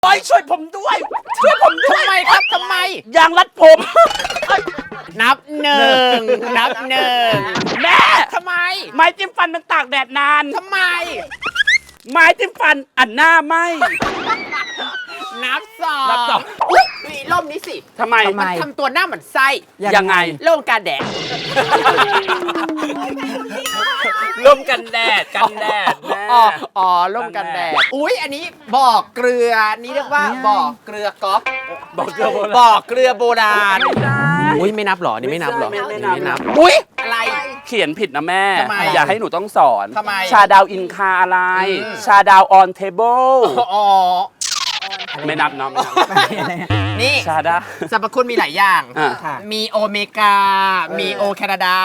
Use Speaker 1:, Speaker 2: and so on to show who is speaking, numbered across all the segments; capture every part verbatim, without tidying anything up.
Speaker 1: โอ้ยช่วยผมด้วยช่วยผมด้วย
Speaker 2: ทำไมครับทำไม
Speaker 1: ยางรัดผม
Speaker 2: นับหนึ่งนับหนึ่ง
Speaker 1: แม่
Speaker 2: ทำไม
Speaker 1: ไม้จิ้มฟันมันตากแดดนาน
Speaker 2: ทำไม
Speaker 1: ไม้จิ้มฟันอันหน้าไหม
Speaker 2: นับสอง
Speaker 1: นับสอง
Speaker 2: อุ๊ยมีร่มนี้สิ
Speaker 1: ทำไม
Speaker 2: มันทำตัวหน้าเหมือนไส้
Speaker 1: ยังไง
Speaker 2: โล่งการแดด
Speaker 1: ร่มกันแดดกันแดดแม่
Speaker 2: อ๋ออ๋อร่มกันแดดอุ้ยอันนี้บ่อเกลือนี่เรียกว่าบ่อเกลือก๊อฟ
Speaker 1: บอกเกลือโบราณ
Speaker 2: บ่อเกลือโบราณ
Speaker 1: ไม่ได้
Speaker 2: อุ้ยไม่นับหรอนี่ไม่นับหรอ
Speaker 1: ไม่ไม่
Speaker 2: นี่
Speaker 1: นับ
Speaker 2: ไม่นับอุ้ยอะไร
Speaker 1: เขียนผิดนะแม่
Speaker 2: ทำไม
Speaker 1: อย่าให้หนูต้องสอน
Speaker 2: ทำไม
Speaker 1: ชาดาวอินคาอะไร
Speaker 2: อืม
Speaker 1: ชาดาวออนเทเบิล
Speaker 2: อ๋อ
Speaker 1: ไม่นับเนาะไม่นับ
Speaker 2: นี่
Speaker 1: ชาดา
Speaker 2: สรรพคุณมีหลายอย่าง
Speaker 1: อ่ะ
Speaker 2: มีโอเมกา มีโอแคนาดา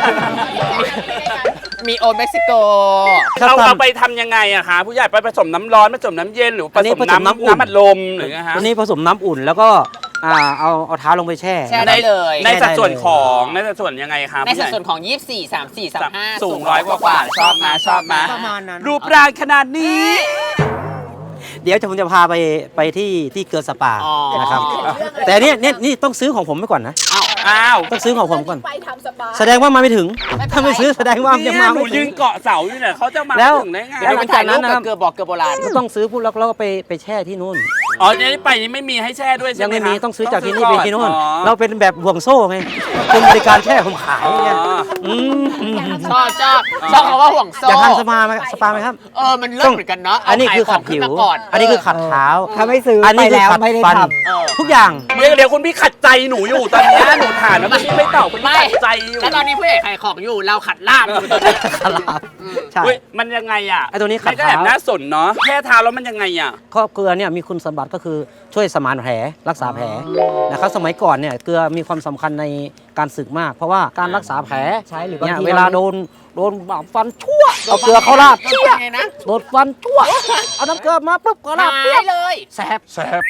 Speaker 2: มีโอเม็กซิโก
Speaker 1: เราเอาไปทำยังไงอะคะผู้ใหญ่ไปผสมน้ำร้อนผสมน้ำเย็นหรือผ
Speaker 3: อันนี้
Speaker 1: สม
Speaker 3: ผสม
Speaker 1: น้ำ
Speaker 3: น้ำอุ่น
Speaker 1: น้ำอัดลมหรือไงฮะ
Speaker 3: ตัวนี้ผสมน้ำอุ่นแล้วก็อ่าเอาเอาเท้าลงไปแช่
Speaker 2: แช่ได้เลย
Speaker 1: ในสัดส่วนของในสัดส่วนยังไงครับ
Speaker 2: ในสัดส่วนของ ยี่สิบสี่ สามสิบสี่ สามสิบห้า
Speaker 1: สูงร้อยกว่ากว่าชอบมาชอบมา
Speaker 2: ประมาณนั้น
Speaker 1: รูปร่างขนาดนี้
Speaker 3: เดี๋ยวจะผมจะพาไปไปที่ที่เกลือสปา
Speaker 2: อ๋อ
Speaker 3: นะครับแต่เนี่ยเนี่ยนี่ต้องซื้อของผมไปก่อนนะ
Speaker 1: อ้าวอ้าว
Speaker 3: ต้องซื้อของผมก่อน
Speaker 4: ไปทำสปา
Speaker 3: แสดงว่ามาไม่ถึง ถ้าไม่ซื้อแสดงว่ายัง
Speaker 1: เนี่ย
Speaker 3: มา
Speaker 1: หนู
Speaker 3: ไม่
Speaker 1: ยื
Speaker 3: ถึง
Speaker 1: นเกาะเสาอยู่เนี่ยเขาจะมา
Speaker 3: แล้ว
Speaker 1: ถึงได้ไง
Speaker 2: เดี๋ยวไปถ่ายรูปกับเกลือบอกเกลือโบราณ
Speaker 3: ก็ต้องซื้อปุ๊บแล้วเราก็ไปไปแช่ที่นู่น
Speaker 1: อ๋อเนี่ยไปนี่ไม่มีให้แช่ด้วยใช่
Speaker 3: ยัง
Speaker 1: ไหม
Speaker 3: ไม่มี
Speaker 1: คะ
Speaker 3: ต้องซื้อจากที่นี่ไปที่นู่น
Speaker 1: อ๋อ
Speaker 3: เราเป็นแบบห่วงโซ่ไงเป็นบริการแช่ผมขายเนี่ย
Speaker 1: อ๋อ
Speaker 3: อืมอืม
Speaker 2: ชอบชอบชอบคำว่าห่วงโซ่
Speaker 3: อยากทานสปาไหมสปาไหมครับ
Speaker 2: เออ มันเลิศเหมือนกันเนาะ
Speaker 3: อันนี้คือขัด
Speaker 2: เา
Speaker 3: ผิว
Speaker 2: ขายของขึ้นมาก่อน
Speaker 3: อันนี้คือขัดเท้า
Speaker 5: ถ้าไม่ซื้อ
Speaker 3: อันนี้
Speaker 5: ไป
Speaker 3: คือ
Speaker 5: แล้ว
Speaker 3: ขัด
Speaker 5: ไม่ได้
Speaker 3: ฟัน
Speaker 5: ท
Speaker 2: เออ
Speaker 3: ทุกอย่าง
Speaker 1: เดี๋ยวเดี๋ยวคุณพี่ขัดใจหนูอยู่ตอนนี้หนูถามแล้วคุณพี่ไม่ตอบคุณพี่
Speaker 2: ไม่
Speaker 1: ขัดใจอยู่
Speaker 2: แล้วตอนนี้ผู้ใหญ่ขายของอยู่ เราขัดล่ามอยู่ตอนนี้
Speaker 3: ใช่
Speaker 1: เว้ยมันยังไงอ่ะ
Speaker 3: ไอ้ตัวนี้ขัด
Speaker 1: มัก็แอบ
Speaker 3: เท้า
Speaker 1: น่าสนเนาะแค่เท้าแล้วมันยังไงอ่ะ
Speaker 3: ครอบเกลือเนี่ยมีคุณสมบัติก็คือช่วยสมานแผลรักษาแผลนะครับสมัยก่อนเนี่ยเกลือมีความสำคัญในการศึกมาก เพราะว่าการรักษาแผล
Speaker 5: ำใช้หรือบาง
Speaker 3: เนี่ย
Speaker 5: ที
Speaker 3: เวลาโดนโดนบาดฟันชั่วเอาเกลือเข้าราด
Speaker 2: โดน
Speaker 3: เปี้ย
Speaker 2: ไงนะ
Speaker 3: โดนฟันชั่วเอาน้ำเกลือมาปุ๊บก็ราด
Speaker 2: หา
Speaker 3: เปี้ย
Speaker 2: ยเลย
Speaker 3: แสบ
Speaker 1: แซบ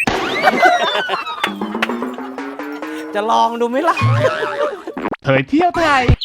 Speaker 3: จะลองดูไหมล่ะ
Speaker 6: เผยเที่ยวไทย